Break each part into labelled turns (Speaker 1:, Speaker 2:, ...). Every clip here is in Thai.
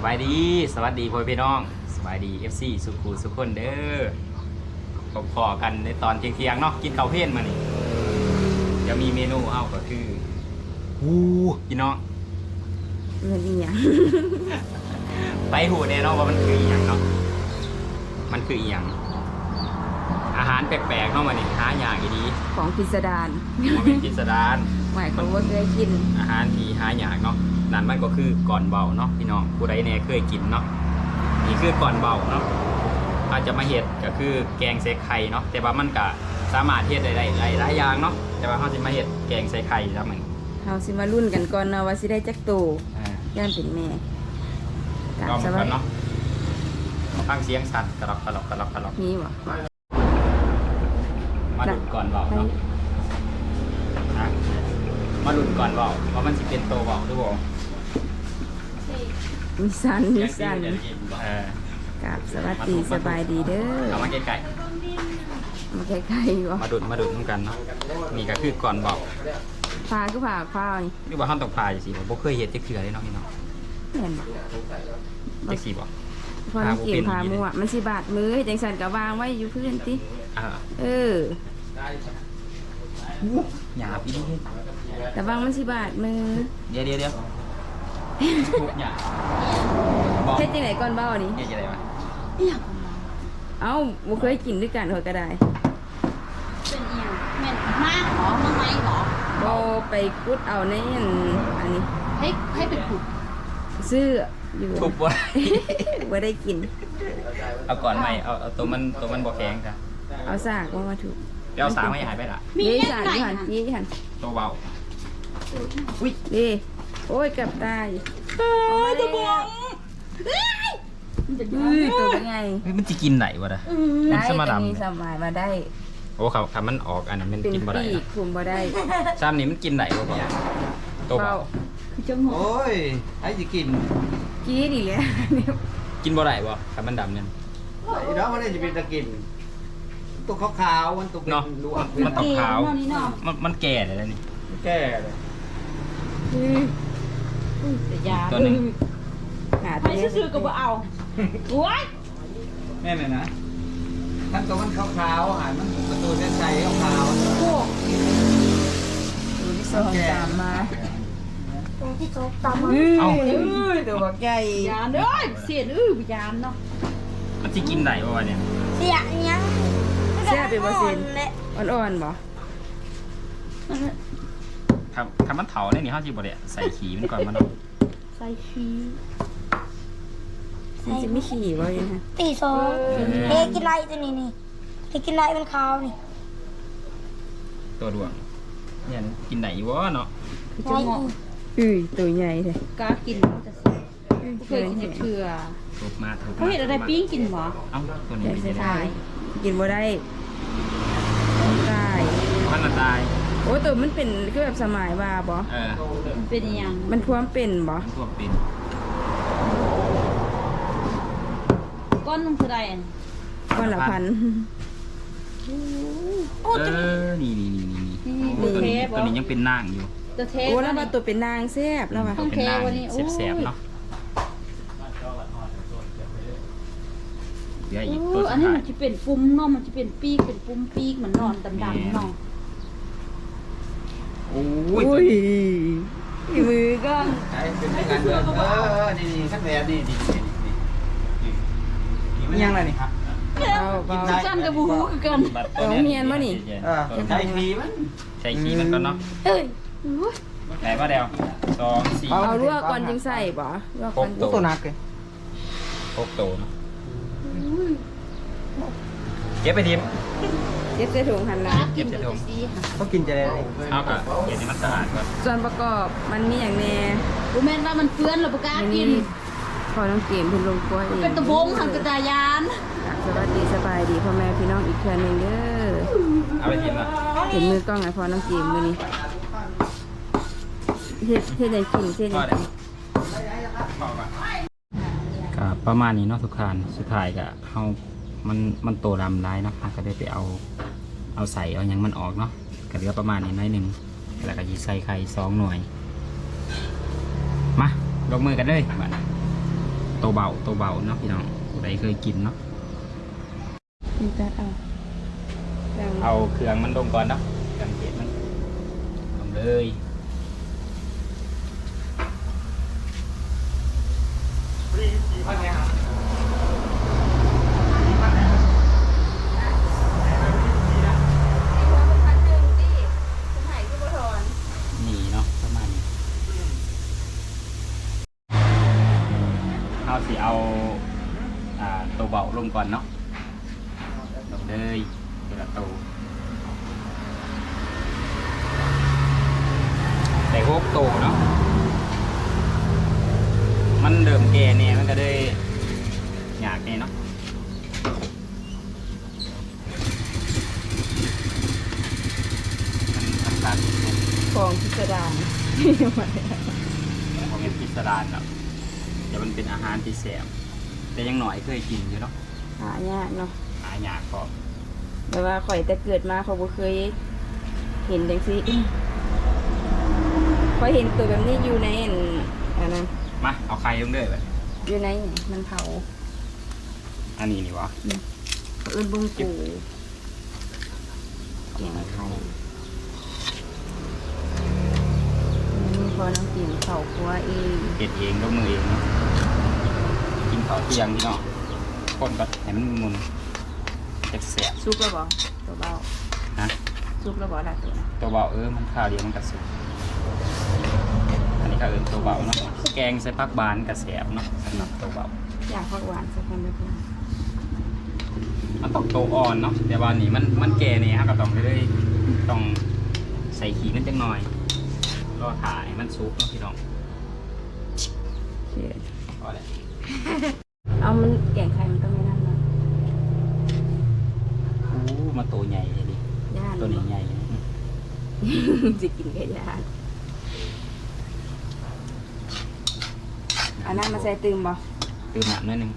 Speaker 1: บายดีสวัสดีพ่อพี่น้องสบายดี FC สุขุสุขคนเด้อพอกันในตอนเที่ยงๆเนาะกินข้าวเพลนมานี่จะมีเมนูเอ้าก็คือพี่น้อง
Speaker 2: มันอีหยัง
Speaker 1: ไปหูแน่เนาะว่ามันคืออีหยังเนาะมันคืออีหยังอาหารแปลกๆเนาะมานี่หาอย่างอีดี
Speaker 2: ของพิสดาร
Speaker 1: มันเป็นพิสดาร
Speaker 2: หมายความว่าเคยกิน
Speaker 1: อาหารที่หาอย่างเนาะนั่นมันก็คือก่อนเบาเนาะพี่น้องผู้ใดแน่เคยกินเนาะนี่คือก่อนเบาเนาะอาจจะมาเฮ็ดก็คือแกงใส่ไข่เนาะแต่ว่ามันก็สามารถเฮ็ดได้หลายอย่างเนาะแต่ว่าเขาจะมาเฮ็ดแกงใส่ไข่แล้วมัน
Speaker 2: เฮาสิมารุ่นกันก่อนเนาะว่าสิได้จักโตย่านเป็นแม่
Speaker 1: ลองกันเนาะฟังเสียงสั่นกระรอกกระรอกกระรอกกระรอก
Speaker 2: มีบ่
Speaker 1: มาดุนก่อนเบาเนาะมาดุนก่อนเบาว่ามันสิเป็นโตเบาหรือเปล่า
Speaker 2: มีสันมีสัน กับสวัสดีสบายดีเด้อ
Speaker 1: เอามาใกล้
Speaker 2: มาใกล้ๆบ่
Speaker 1: ๆมาดุนน้ำกันเนาะนี่ก็คือก่อนเบา
Speaker 2: พาคือพาข้าวนี่
Speaker 1: หรือว่าห้องตกปลาอย่างสิผมบ่เคยเห็นจักเทื่อเลยเนาะพี่น้อง
Speaker 2: แม่นบ่
Speaker 1: จักสิบ่
Speaker 2: พอน้ำเกมพามั่วมันสิบาดมือจังซั่นก็วางไว้อยู่พื้นติ เออ
Speaker 1: หยาบอีนี่
Speaker 2: แต่วางมันสิบาดมือ
Speaker 1: เดี๋ยวพูดหยาบบอก
Speaker 2: เฮ็ดจังไดก่อนเบ้านี่
Speaker 1: เฮ็ดจังไดวะ
Speaker 2: เอ้าบ่เคยกินด้วยกันเฮาก็ได้
Speaker 3: เป็นเอียงแม่นมากหรอมาไหมหรอ
Speaker 2: บ่ไปกุดเอาในอันนี้
Speaker 3: ให้เป็นขุด
Speaker 2: ซื้ออยู่
Speaker 1: ทุบบ่
Speaker 2: บ่ได้กิน
Speaker 1: เอาก่อนใหม่เอาตัวมันบ่แข็งจ้ะ
Speaker 2: เอาสากมาถูก
Speaker 1: เดี๋ยวเอาสางไม่หายไปล่ะ
Speaker 3: มี
Speaker 2: นี่
Speaker 3: แค่
Speaker 2: สาก
Speaker 3: ไหน
Speaker 2: อยู่หันนี่หัน
Speaker 1: ตัวเบา
Speaker 2: นี่โอ้ยเกับตายเอามาแล้วตัวเป็นไง
Speaker 1: เฮ้ยมันสิกินไหนวะล่ะ
Speaker 2: ได้
Speaker 1: มันสมา
Speaker 2: อัน
Speaker 1: ดำ
Speaker 2: นี้สบายมาได้
Speaker 1: โอ้ครับมันออกอันนั้นมัน
Speaker 2: เป็น
Speaker 1: กินบ่ได้
Speaker 2: ปีกคุมบ่ได้
Speaker 1: ซ้ำนี่มันกินไหนบ่บ่ตัวเบา
Speaker 3: คือจังหวะ
Speaker 4: โอ้ยไอ้สิกิน
Speaker 2: กี้ดีเลย
Speaker 1: กินบ่ได้บ่ครับมันดำเนี่ย
Speaker 4: ไอ้น้องมันจะเป็นตะกินตัวขาวๆมันตัวเป็น
Speaker 1: เนาะ
Speaker 4: ลวก
Speaker 1: มันต้องขาว
Speaker 3: เนาะนี่เนาะ
Speaker 1: มันแก่เลยนะนี่
Speaker 4: แก่เลย
Speaker 3: แต่ยา
Speaker 1: ตัวหนึง
Speaker 2: หา
Speaker 3: ไปซื้อๆก็บ่เอาโอ้ย
Speaker 4: แม่นเลยนะทั้งตัวมันขาวๆหายมันประตูเส้นชัยขาว
Speaker 3: โอ้
Speaker 2: ตัวที่สองตามมา
Speaker 1: เอ้า
Speaker 2: ตัวบักใหญ่
Speaker 3: ยานเด้อเสียนยานเนาะ
Speaker 1: มันสิกินไหนบ่วะเนี่ย
Speaker 5: เสียยัง
Speaker 2: แซ่บเป็นบ่เซน
Speaker 5: และ
Speaker 2: อ่อนๆบ่
Speaker 1: ครับมันเถาเนี่ยนี่เฮาสิบ่ได้ใส่ขี้มันก่อนมันเนาะ
Speaker 3: ใส่ขี้
Speaker 2: มันจะไม่ขี่บ่ยังฮะ
Speaker 5: ตีสองเฮกินไรตัวนี้นี่เฮกินไรมันขาวนี่
Speaker 1: ตัวดวงเนี่ยกินไหนวะเนาะ
Speaker 3: คือจังหวะ
Speaker 2: ตัวใหญ่เลย
Speaker 3: กากินมันจะสิเคยกินเถื่อ
Speaker 1: ทุบมา
Speaker 3: เขาเห็นอะไรปิ้งกินหรอ
Speaker 1: เอ้าตัวนี้
Speaker 2: ใหญ่
Speaker 1: ไม่
Speaker 2: ใส่
Speaker 1: ใช่
Speaker 2: ทายกินบ่ได้ตาย
Speaker 1: มันมาตาย
Speaker 2: โอ้ตัวมันเป็นคือแบบสมัยว่าบ่
Speaker 3: มันเป็นยัง
Speaker 2: มันพวมเป็นบ่
Speaker 1: มันท่วมเป็น
Speaker 3: ก้อนนุ่งคือใดอัน
Speaker 2: ก้อนละพัน
Speaker 1: นี่
Speaker 3: นี่
Speaker 1: ตัว
Speaker 3: เท
Speaker 1: นี้
Speaker 3: ป
Speaker 1: ตัวนี้ยังเป็นนางอยู่
Speaker 3: ตัวเทป
Speaker 2: โอ้แล้วว่าตัวเป็นนางแซ่บแล้วว่ะ
Speaker 3: ต้อง
Speaker 1: เป็นนาง
Speaker 3: เทวันนี้โอ้ย
Speaker 1: แสบๆเนาะเดี๋ยวอีกตัว
Speaker 3: อั
Speaker 1: สุ
Speaker 3: น
Speaker 1: ด
Speaker 3: นี้
Speaker 1: ท้าย
Speaker 3: มันจะเป็นปุ่มเนาะมันจะเป็นปีกเป็นปุ่มปีกเหมือนนอนดำๆเนาะ
Speaker 1: โอ้
Speaker 2: อุ้
Speaker 1: ย
Speaker 2: ยมือก็
Speaker 4: ๆไอ้เป็นการเดินนี่ขั้นแบบนี่มันยังไงนี่ครับ
Speaker 2: เอาเบา
Speaker 3: สั้นกับบูฮูคือกัน
Speaker 1: บัด
Speaker 2: เอาเมียนบ่นี่
Speaker 4: ใช้ทีมัน
Speaker 1: ใช้ขี้มันก่อนเนาะ
Speaker 5: เอ้ย
Speaker 1: ไหนว่าเดียว2 4
Speaker 2: เอาลวกก่อนจึงใส่บ่ลวกก่อน
Speaker 1: หก
Speaker 4: ตัวหนักเลย
Speaker 1: 6ตัวเนาะเก็บไปทิม
Speaker 2: เก็บใส่ถุงหั่นละ
Speaker 1: เก็บใส่ถุง
Speaker 4: เขากินจะได้
Speaker 1: เอากะเก็บให้มันสะอาดก่อน
Speaker 2: ส่วนประกอบมันมีอย่างแน่
Speaker 3: บูแมนว่ามันเปื้อนเราประกล้า
Speaker 2: อัน
Speaker 3: กิ
Speaker 2: นี้
Speaker 3: น
Speaker 2: พอน้องเกมเพิ่นลงครัวเอง
Speaker 3: เป็นตะบงทางกระจายาน
Speaker 2: สวัสดีสบายดีพ่อแม่พี่น้องอีกเทื่อหนึงเด้อ
Speaker 1: เอาไปทิมละ
Speaker 2: เห็นมือกล้องไอ้พอน้องเกมมื้อนี้เฮ็ดได้กินเฮ็ด
Speaker 1: พอ
Speaker 2: ได้
Speaker 1: เดี๋ยวก็ประมาณนี้เนาะทุกท่านสุดท้ายก็เฮามันโตดำร้ายเนาะก็ได้ไปเอาใส่เอาหยังมันออกเนาะก็เหลือประมาณนี้น้อยหนึงแล้วก็สิใส่ไข่2 หน่วยมาลงมือกันเลยบัดตัวเบาเนาะพี่น้องผู้ใดเคยกินเนาะ
Speaker 2: นี่ตัดเอา
Speaker 1: เอาเครื่องมันลงก่อนเนาะเครื่องเทศมันลงเลยนี่เนาะประมาณนี้เอาสิเอาตัวเบาลงก่อนเนาะลงเลยตัวละตัวแต่พวกโตเนาะมันเดิมแก่เนี่ยมันก็ได้อยากเนี่ยเนาะมันตัด
Speaker 2: ของพิสดาร
Speaker 1: ของเป็นพิสดารเนาะแต่มันเป็นอาหารที่แสบแต่ยังหน่อยเคยกินอยู่เนาะ
Speaker 2: หายากเนาะ
Speaker 1: หายากก็
Speaker 2: แต่ว่าข่อยแต่เกิดมาเขาบ่เคยเห็นจังซี่ข่อยเห็นตัวแบบนี้อยู่ในอันนั้น
Speaker 1: มาเอาไข่ลงเลยแบบ
Speaker 2: อยู่ในมันเผา
Speaker 1: อันนี้นี่วะ
Speaker 2: เขาเอิ้นบุ้งกูแกงไข่นี่พอน้องกินเผาครัวเอง
Speaker 1: เก็ดเองด้วยมือเองเนาะกินข้าวเที่ยงพี่น้องคนก็ให้มันมุนแสบ
Speaker 2: ซุปแล้วบ่ตัวเบา
Speaker 1: ๆนะ
Speaker 2: ซุปแล้วบ่ล่ะตัวนะ
Speaker 1: ตัวเบามันข้าวเดียวมันกระสุนอันนี้ก็ตัวเบาเนาะแกงใส่ผักบานกระแสบเนาะสำหรับตัวเบา
Speaker 2: อยากผักหวานสักคนเด้อเพิ่น
Speaker 1: มันต้องโตอ่อนเนาะแต่ว่านี่มันแก่เนี่ยฮะก็ต้องได้ต้องใส่ขี้มันจังหน่อยรอถ่ายมันซุปเนาะพี่น้อง
Speaker 2: เชี่ย
Speaker 1: พอแล้ว
Speaker 2: เอามันแกงไข่มันต้องไม่นั่นเนาะ
Speaker 1: อู้มาตัวใหญ่เลยดิ
Speaker 2: ย่าน
Speaker 1: ตัวนี้ใหญ่
Speaker 2: สิกินแค่ย่านอันนั้นมาใส่ตื่มบ่
Speaker 1: ตื่นหนักนิดนึง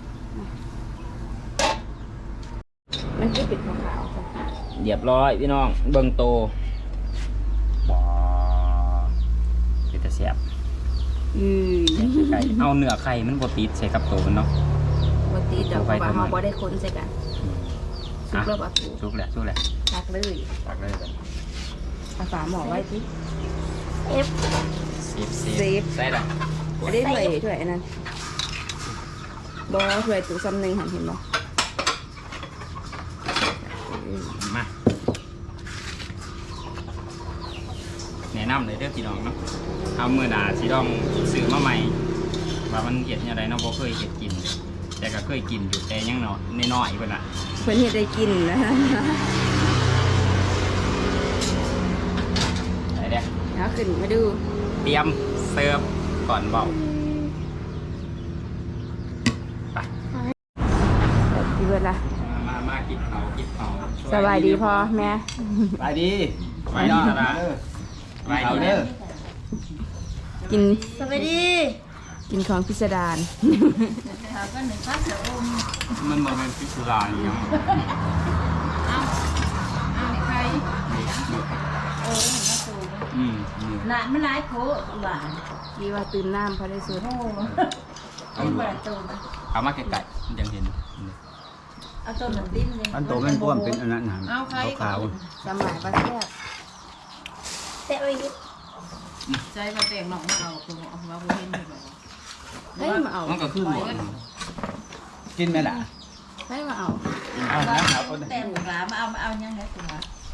Speaker 2: มันคือปิดขาวๆจ้ะ
Speaker 1: เรียบร้อยพี่น้องเบิ่งโตบ่เป็นตะแสบ ไก่เอาเนื้อไข่มันบ่ติดใส่กับโตมันเนาะ
Speaker 2: บ่ตีดอกเพราะว่าเฮาบ่ได้คนใส่กันซุปแล้วบ่ถูก
Speaker 1: ชุกแหละ
Speaker 2: ตักเลย
Speaker 1: ตักเลยแบบ
Speaker 2: เอาฝาหม้อไว้สิ
Speaker 5: เอฟ
Speaker 1: เซฟใส่ละ
Speaker 2: อันนี้ถ้วยอันนั้นบ่ถ้วยตู้ซ้ำหนึงหันเห็นบ่
Speaker 1: มาแนะนำเลยเด้อพี่น้องเนาะเอามื้อหน้าสิต้องซื้อมาใหม่ว่ามันเฮ็ดจังไดเนาะบ่เคยเฮ็ดกิน แต่ก็เคยกินอยู่แต่ยังน้อยๆเพิ่นน่ะ
Speaker 2: เพิ่นเฮ็ดได้กินนะ
Speaker 1: ไปเด้อ
Speaker 2: เอาขึ้นมาดู
Speaker 1: เตรียมเสิร์ฟก่อนเบาไป
Speaker 2: ดีเบิดล่ะ
Speaker 1: มากินเขา
Speaker 2: สบายดีพอแม่
Speaker 4: ไปดี
Speaker 1: ไปดีนะ ไป
Speaker 4: เอา
Speaker 1: ดี
Speaker 4: เด้อ
Speaker 2: กิน
Speaker 5: สวัสดี
Speaker 2: กินของพิสดาร
Speaker 3: เขาก็หนึ่งพักเสืออม
Speaker 1: มันบ่เป็นพิซซ่าอย่างเงี้ย
Speaker 3: เอาใครเห็นมาสูง หลานมันหลายโผล่หลาน
Speaker 2: ดีว่าตื่นน้ำพอได้สุด
Speaker 3: โอ้ไอ้เปิดตัวมัน
Speaker 1: เอามาไกลๆมันยังเห็น
Speaker 3: เอาตัวมันดิ้นเลย
Speaker 4: อันโตมันป้วมเป็นอันนั้นนะ
Speaker 3: เอาใคร
Speaker 4: ขาว
Speaker 2: สมัยประเทศ
Speaker 5: เตะไปยิบ
Speaker 3: ใจมาแต่งหนองมาเอาคือเอามาบุเห็นเลยบอก
Speaker 2: เฮ้ยมาเอา
Speaker 1: มันก็คือหมด
Speaker 4: ๆกินไหมล่ะ
Speaker 2: เฮ้ยมาเอา
Speaker 4: เอานะเอาคน
Speaker 3: แต่หมูหลามาเอายังไงตัว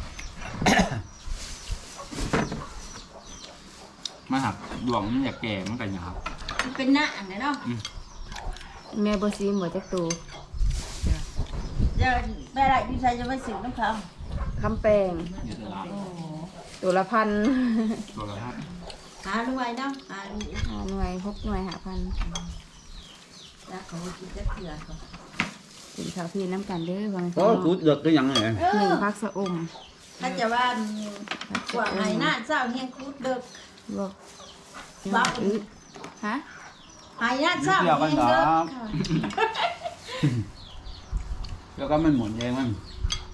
Speaker 1: มาหักดวงมันอยากแก่มันก็หยาบ
Speaker 3: มันเป็นหน้าอันไหนเนาะ
Speaker 2: แม่บซีหมดจักตู
Speaker 3: จะแม่ไรพี่ชายจะไปสืบน้ำเขา
Speaker 2: คำแปลง
Speaker 1: อยู่ตลาด
Speaker 3: โอ้
Speaker 2: ตัวละพัน
Speaker 1: ตัวละครับ
Speaker 3: หาด้วยเนาะหาดู
Speaker 2: 5 หน่วย6 หน่วย5,000
Speaker 3: แล้วเขากินจะเกลือเขา
Speaker 2: กินข้าวพี่น้ำกันเด้อบาง
Speaker 4: โอ้กูเดือดก็ยังไง
Speaker 2: หนึ่งพักสะอม
Speaker 3: ถ้าจะว่ากว่าไงหน้าเจ้าเฮียงคูดเด็ก
Speaker 2: บอก
Speaker 3: บ้า
Speaker 2: ฮะ
Speaker 3: หายหน้าเจ้าเฮียงเด็ก
Speaker 4: แล้วก็มันหมุนเองมัน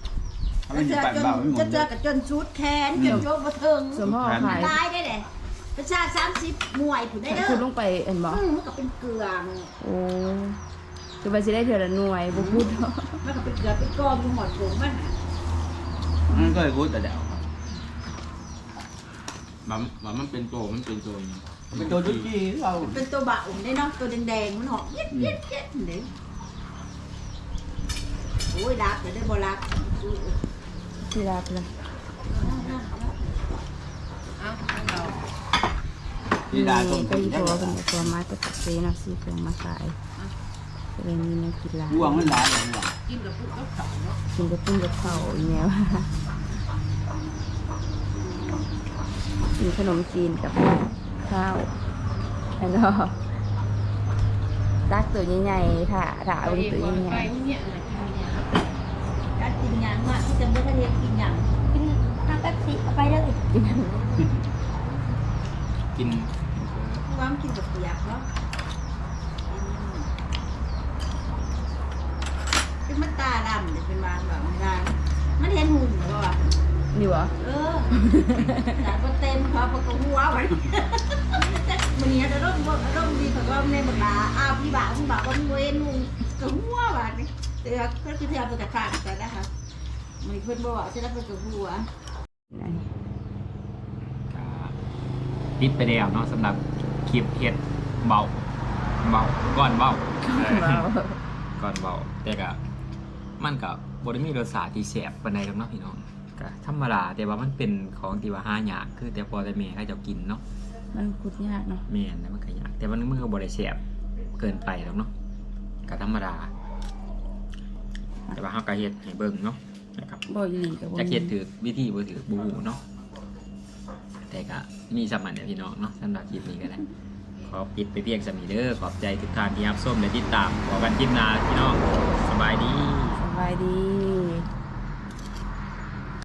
Speaker 4: ถ้ามันอยู่ปั่นเบามันหมุน
Speaker 3: จะเจอกับจนชุดแขนจนโจมเทิง
Speaker 2: ส่วนพ่อขาย
Speaker 3: ตายได้แหละประชา30หน่วยผู้ได้เด้อ
Speaker 2: คุณลงไปเห็นบ่
Speaker 3: มันก็เป็นเกลือมัน
Speaker 2: โอ้คือว่าสิได้เทื่อละหน่วยบ่พูด
Speaker 3: มันก็เป็นเกลือเป็นกองอยู่หมดถุงมัน
Speaker 4: มันก็เลยพูดแต่เดี๋ยว
Speaker 1: มันเป็นโตมันเป็นโต
Speaker 4: เป็นตัวจุดจี้เรา
Speaker 3: เป็นตัวบะอุ่มได้เนาะตัวแดงๆมันหอมเย็ดเด้โอ้ยรักแต่ได้บ่รัก
Speaker 2: สิรับละ
Speaker 4: ดีดาตรง
Speaker 2: ก็อยู่ตัวเป็นตัวมาจะตัดเซเนาะสิเครื่องมาขายก็เลยมีแนวกินหลาย
Speaker 4: ห่วงมันหลายอย่างห่วง
Speaker 2: กินกับปุ้งกับข้าวอีแนวมีขนมจีนกับข้าวแล้วก็รักตัวใหญ่ๆค่ะถาเอาตัวใหญ่
Speaker 3: การกินหยังว่าที่จะบ่ทันเฮ็ดกินหยัง
Speaker 5: กินน้ำแป๊บซี่เอาไปเลย
Speaker 2: ๆกิน
Speaker 1: กิน
Speaker 3: คือว่ามันกินกับเปียกเนาะเป็นมันตาดำเนี่ยเป็นวานแบบมันเห็นหุ่นเหรอวะ
Speaker 2: อยู่เหรอ
Speaker 3: แต่ก็เต็มครับก็หัวมันมันเนี่ยจะร่มดีเขาก็ในบทบาอ้าวพี่บ่าวก็เว้นหุ่นก็หัวว่ะนี่เตือก็คือเตือไปกับขาดกันนะคะมันเพิ่นบอกจะได้ไปกับหัว
Speaker 1: ปิดไปแล้วเนาะสำหรับคลิปเฮ็ดเบาก่อนเบาก่อนเบาแต่ก็มันก็บ่ได้มีรสชาติที่แซ่บปานใดหรอกเนาะพี่น้องก็ธรรมดาแต่ว่ามันเป็นของที่ว่าหายากคือแต่พอแต่แม่เขาเจ้ากินเนาะ
Speaker 2: มันคุดยากเนาะ
Speaker 1: แม่นแล้วมันก็ยากแต่มันก็บ่ได้แซ่บเกินไปหรอกเนาะก็ธรรมดาแต่ว่าเฮาก็เฮ็ดให้เบิ่งเนาะนะครับ
Speaker 2: บ่อีหลีกับบ่
Speaker 1: จะเฮ็ดถือวิธีบ่ถือบ่ฮู้เนาะแต่ก็มีสมันเนี่ยพี่น้องเนาะสำหรับคลิปนี้ก็ได้ขอปิดไปเพียงสมีเด้อขอบใจทุกท่านที่รับชมและติดตามขอกันคลิปหน้าพี่น้องส